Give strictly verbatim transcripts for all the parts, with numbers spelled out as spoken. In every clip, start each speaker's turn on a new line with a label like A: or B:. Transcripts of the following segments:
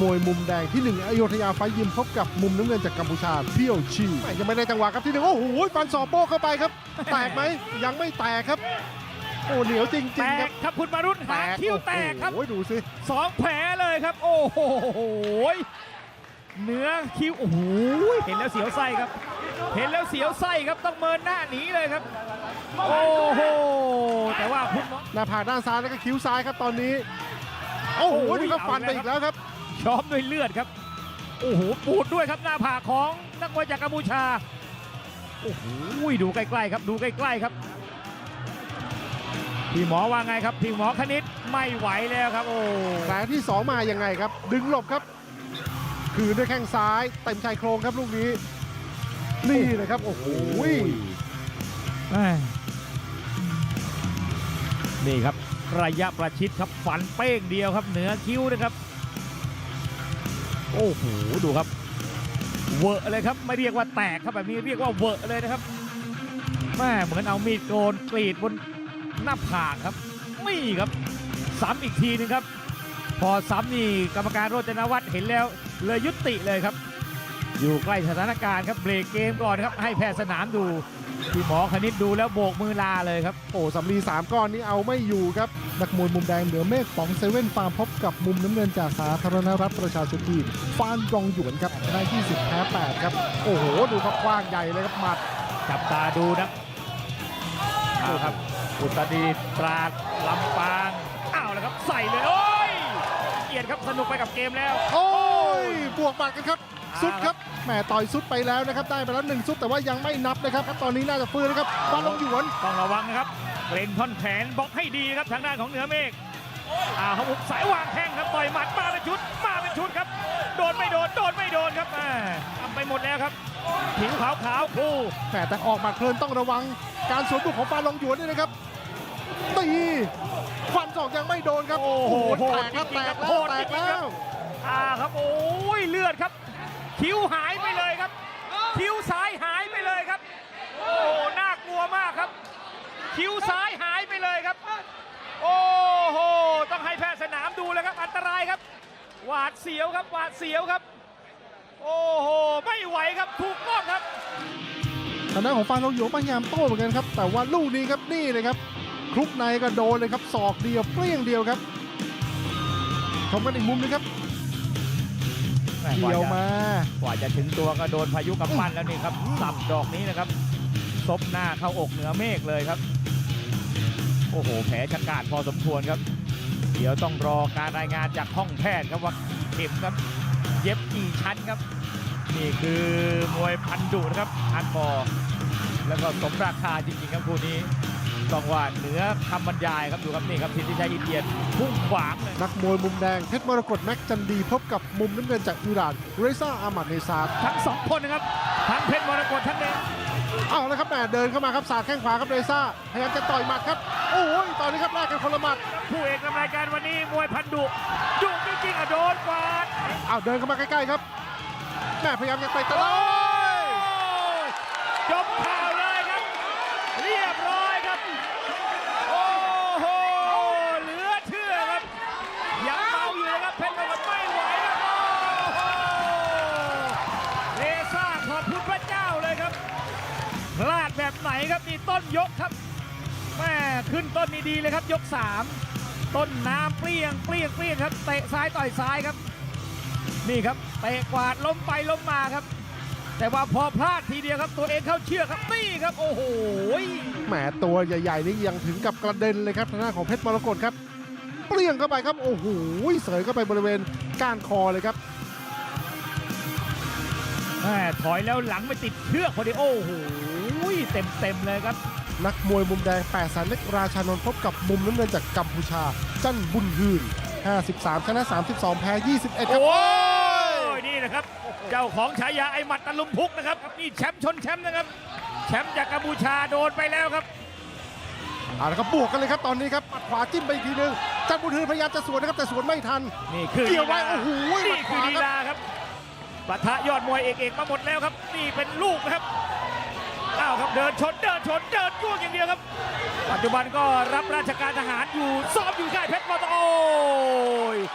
A: มวยมุมแดงที่หนึ่งอโยธยาไฟยิมพบกับมุมน้ำเงินจากกัมพูชาเพียวชียังไม่ได้จังหวะครับที่หนึ่งโอ้โหฟันศอกโป้เข้าไปครับแตกไหมยังไม่แตกครับโอ้เหนียวจริง
B: แต
A: ๆครั
B: ก
A: บ
B: ครับคุณมารุตหางคิ้วแตกครับ
A: โอ้โหดูสิ
B: สองแผลเลยครับ โอ้โหเนื้อคิ้วโอ้โหเห็นแล้วเสียวไส้ครับ เห็นแล้วเสียวไส้ครับต้องเมินหน้าหนีเลยครับ โอ้โหแต่ว่าคุณหมอ
A: หน้าผากด้านซ้ายแล้วก็คิ้วซ้ายครับตอนนี้โอ้โห
B: โอ้โห
A: นี่ก็ฟันไปอีกแล้วครับ
B: ช้อมด้วยเลือดครับ โอ้โหปูดด้วยครับหน้าผากของนักมวยจากกัมพูชาโอ้โหดูใกล้ๆครับดูใกล้ๆครับพี่หมอว่าไงครับพี่หมอคณิตไม่ไหวแล้วครับโอ้
A: แผลที่สองมายังไงครับดึงหลบครับคืนด้วยแข้งซ้ายเต็มชายโครงครับลูกนี้นี่เลยครับโอ้โห
B: แม่นี่ครับระยะประชิดครับฟันเป้งเดียวครับเหนือคิ้วนะครับโอ้โหดูครับเวอะเลยครับไม่เรียกว่าแตกครับแบบนี้เรียกว่าเวอะเลยนะครับแม่เหมือนเอามีดโกนกรีดบนหน้าผากครับนี่ครับซ้ำอีกทีนึงครับพอซ้ำนี่กรรมการโรจนวัฒน์เห็นแล้วเลยยุติเลยครับอยู่ใกล้สถานการณ์ครับเบรกเกมก่อนครับให้แพทย์สนามดูพี่หมอคณิตดูแล้วโบกมือลาเลยครับ
A: โอ้สำลีสามก้อนนี้เอาไม่อยู่ครับนักมวยมุมแดงเหนือเมฆป๋องเซเว่นฟาร์มพบกับมุมน้ำเงินจากสาธารณรัฐประชาชนจีนฟานรองหยวนครับได้ที่สิบแพ้แปดครับโอ้โหดูครับกว้างใหญ่เลยครับหมัด
B: จับตาดูนะเอาครับอุตรดิตถ์ตราดลำปางอ้าวแล้วครับใส่เลยโอ้ยเกียรติครับสนุกไปกับเกมแล้ว
A: โอ้ยบวกหมัดกันครับ
B: อ่า
A: สุดครับแหมต่อยสุดไปแล้วนะครับได้ไปแล้วหนึ่งสุดแต่ว่ายังไม่นับนะครับตอนนี้น่าจะฟื้นนะครับฟานรองหยวน
B: ต้องระวังนะครับเกรงท่อนแขนบล็อกให้ดีนะครับทางด้านของเหนือเมฆอ้าวเขาบุกสายวางแข้งครับต่อยหมัดมาเป็นชุดมาเป็นชุดครับโดนไม่โดนโดนไม่โดนครับอ่าทำไปหมดแล้วครับผิวขาวขาวๆคู่
A: แหมแต่ออกหมัดเพลินต้องระวังการสวนบุกของฟานรองหยวนด้วยนะครับตีฟันศอกยังไม่โดนครับ
B: โอ้โห
A: แตกครับ
B: จริ
A: แต
B: งๆ
A: ก
B: ครับ
A: แล้
B: โห
A: ว
B: ด
A: แต
B: จ
A: ก
B: ริงๆค
A: แล้
B: รับ
A: ว
B: อ่าครับโอ้ยเลือดครับคิ้วหายไปเลยครับคิ้วซ้ายหายไปเลยครับโอ้โหน่ากลัวมากครับ คิ้วซ้ายหายไปเลยครับ โอ้โหต้องให้แพทย์สนามดูแล้วครับอันตรายครับหวาดเสียวครับหวาดเสียวครับ โอ้โหไม่ไหวครับถูกต้องครับ
A: ทางด้านของฟานรองหยวนพยายามโต้เหมือนกันครับแต่ว่าลูกนี้ครับนี่เลยครับคลุกในก็โดนเลยครับศอกเดียวเปรี้ยงเดียวครับชมกันอีกมุมนึงครับเกี่ยวมาก
B: ว่าจะถึงตัวก็โดนพายุกำปั้นแล้วนี่ครับสับดอกนี้นะครับซบหน้าเข้าอกเหนือเมฆเลยครับโอ้โหแผลชะกาจพอสมควรครับเดี๋ยวต้องรอการรายงานจากห้องแพทย์ครับว่าเข็มครับเย็บกี่ชั้นครับนี่คือมวยพันดุนะครับฮาร์ดคอร์แล้วก็สมราคาจริงๆครับคู่นี้ต้องว่าเหนือคำบรรยายครับดูครับนี่ครับสิทธิชัยอินเดียนพุ่งขวางเลย
A: นักมวยมุมแดงเพชรมรกตแม็กจันดีพบกับมุมน้ำเงินจากอิหร่านเรซ่าอามัดเนซาด
B: ทั้งสองคนนะครับทั้งเพชรมรกตทั้งเน
A: เอาแล้วครับแหมเดินเข้ามาครับสาดแข้งขวาครับเรซ่าพยายามจะต่อยหมัดครับโอ้ยตอนนี้ครับแลกกันคนละหมัด
B: ผู้เอกนำรายการวันนี้มวยพันดุดุจริงๆอ่ะโดนกวาด
A: เอาเดินเข้ามาใกล้ๆครับแม่พยายามจะเตะตะลอ
B: จบข่าวเลยครับ เรียบร้อยครับ โอ้โหเหลือเชื่อครับยังเมาอยู่นะครับเพชรมรกตไม่ไหวแล้วโอ้โหเรซ่าขอบคุณพระเจ้าเลยครับพลาดแบบไหนครับนี่ต้นยกครับแม่ขึ้นต้นนี่ดีเลยครับยกสามต้นน้ำเปรี้ยงเปรี้ยงเปรี้ยงครับเตะซ้ายต่อยซ้ายครับนี่ครับเตะกวาดล้มไปล้มมาครับแต่ว่าพอพลาดทีเดียวครับตัวเองเข้าเชือกครับนี่ครับโอ้โห
A: แหมตัวใหญ่ๆนี่ยังถึงกับกระเด็นเลยครับทางด้านของเพชรมรกตครับเปรี้ยงเข้าไปครับโอ้โหเสยเข้าไปบริเวณก้านคอเลยครับ
B: แม่ถอยแล้วหลังไปติดเชือกพอดีโอ้โหเต็มเต็มๆเลยครับ
A: นักมวยมุมแดงแปดแสนเล็กราชานนท์พบกับมุมน้ำเงินจากกัมพูชาจันบุญฮืนห้าสิบสามชนะสามสิบสองแพ้ยี่สิบเอ็ดครับ
B: โอ้ยนี่นะครับเจ้าของฉายาไอหมัดตะลุมพุกนะครับนี่แชมป์ชนแชมป์นะครับแชมป์จากกัมพูชาโดนไปแล้วครับ
A: เอาละครับบวกกันเลยครับตอนนี้ครับหมัดขวาจิ้มไปอีกทีนึงจันบุญฮืนพยายามจะสวนนะครับแต่สวนไม่ทัน
B: นี่คือ
A: เกี่ยวไว้โอ้โหหมั
B: นี่
A: ดข
B: คือ
A: วา
B: ลี
A: ครับ
B: ลาครับปะทะยอดมวยเอกเอกมาหมดแล้วครับนี่เป็นลูกนะครับอ้าวครับเดินชนเดินชนเดินจ้วงอย่างเดียวครับปัจจุบันก็รับราชการทหารอยู่ซ้อมอยู่ค่ายเพชรมรกตโอ้ย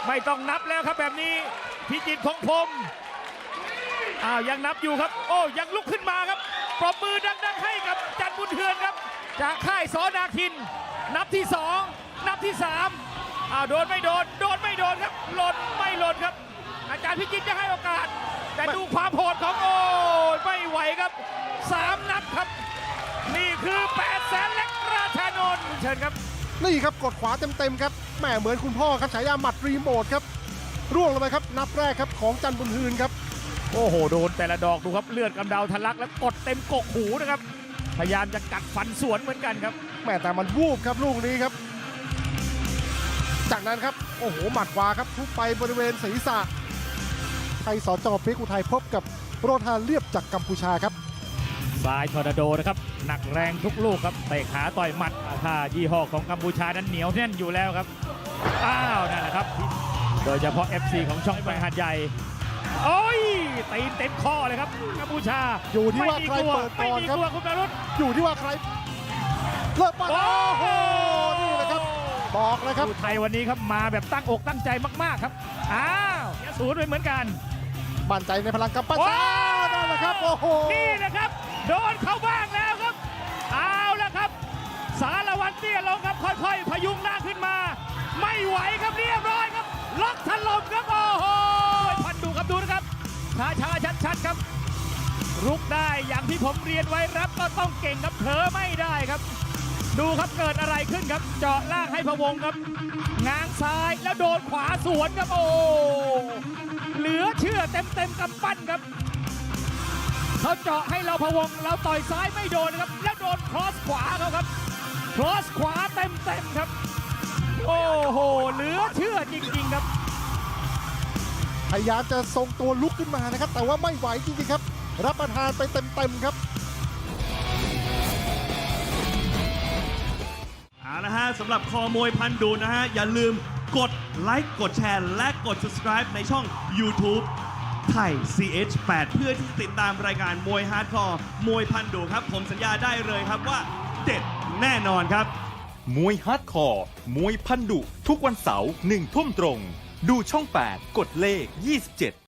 B: ไม่ต้องนับแล้วครับแบบนี้พิจิตรพงษ์พรหมอ้าวยังนับอยู่ครับโอ้ยังลุกขึ้นมาครับปรบมือดังๆให้กับจันทร์บุญเทือนครับจากค่ายสอนาคินนับที่สองนับที่สามอ้าวโดนไม่โดนโดนไม่โดนครับหล่นไม่หล่นครับอาจารย์พิจิตรจะให้โอกาสแต่ดูความโหดของโอ้ยไม่ไหวครับสามนับครับนี่คือแปดแสนเล็กราชานนท์เชิญครับ
A: นี่ครับกดขวาเต็มๆครับแหมเหมือนคุณพ่อครับฉายาหมัดรีโมทครับร่วงลงไปครับนับแรกครับของจันทร์บุญฮืนครับ
B: โอ้โหโดนแต่ละดอกดูครับเลือดกำเดาทะลักแล้วกดเต็มกกหูนะครับพยายามจะกัดฟันสวนเหมือนกันครับ
A: แหมแต่มันวูบครับลูกนี้ครับ จากนั้นครับโอ้โหหมัดขวาครับทุบไปบริเวณศีรษะไทยสจพริกอุทัยพบกับโรธาเรียบจากกัมพูชาครับ
B: ซ้ายทอร์นาโดนะครับหนักแรงทุกลูกครับเตะขาต่อยหมัดถ้ายี่ห้อของกัมพูชานั้นเหนียวแน่นอยู่แล้วครับอ้าวนั่นแหละครับโดยเฉพาะ เอฟ ซี ของช่องแบงหาดใหญ่โอ้ยตีนเต็มข้อเลยครับกัมพูชา
A: อยู่ที่ว่าใครเปิดก่อนครับ
B: ไม่มีกลัวคุณประรุษ
A: อยู่ที่ว่าใครเลิกมา
B: โอ้
A: โอ้
B: โห
A: โหนี่แหละครับบอกเลยครับ
B: ผู้ไทยวันนี้ครับมาแบบตั้งอกตั้งใจมากๆครับอ้าวเสียศูนย์ไปเหมือนกัน
A: มั่นใจในพลังกัมพูชานั่นแหละครับโอ้โห
B: นี่นะครับโดนเข้าบ้างแล้วครับเอาละครับ สารวัตรเตี้ยลงครับค่อยๆ พยุงหน้าขึ้นมา ไม่ไหวครับเรียบร้อยครับล็อกถล่มครับโอ้โหพันดูครับดูนะครับช้าช้าชัดชัดๆครับรุกได้อย่างที่ผมเรียนไว้รับก็ต้องเก่งครับเผลอไม่ได้ครับ ดูครับเกิดอะไรขึ้นครับ เจาะล่างให้พะวงครับง้างซ้ายแล้วโดนขวาสวนครับโอ้เหลือเชื่อเต็มเต็มๆกำปั้นครับเขาเจาะให้เราพะวงเราต่อยซ้ายไม่โดนครับแล้วโดนครอสขวาเขาครับครอสขวาเต็มเต็มๆครับโอ้โหเหลือเชื่อจริงๆครับ
A: พยายามจะทรงตัวลุกขึ้นมานะครับ แต่ว่าไม่ไหวจริงๆครับ รับประทานไปเต็มๆครับ
C: เอาละฮะสำหรับคอมวยพันดูนะฮะ อย่าลืมกดไลค์กดแชร์และกด subscribe ในช่อง YouTube ไทย ซี เอช แปด เพื่อที่จะติดตามรายการมวยฮาร์ดคอร์มวยพันดูครับ ผมสัญญาได้เลยครับว่าเด็ดแน่นอนครับ
D: มวยฮาร์ดคอร์ มวยพันดุ ทุกวันเสาร์หนึ่งทุ่มตรง ดูช่อง แปด กดเลข ยี่สิบเจ็ด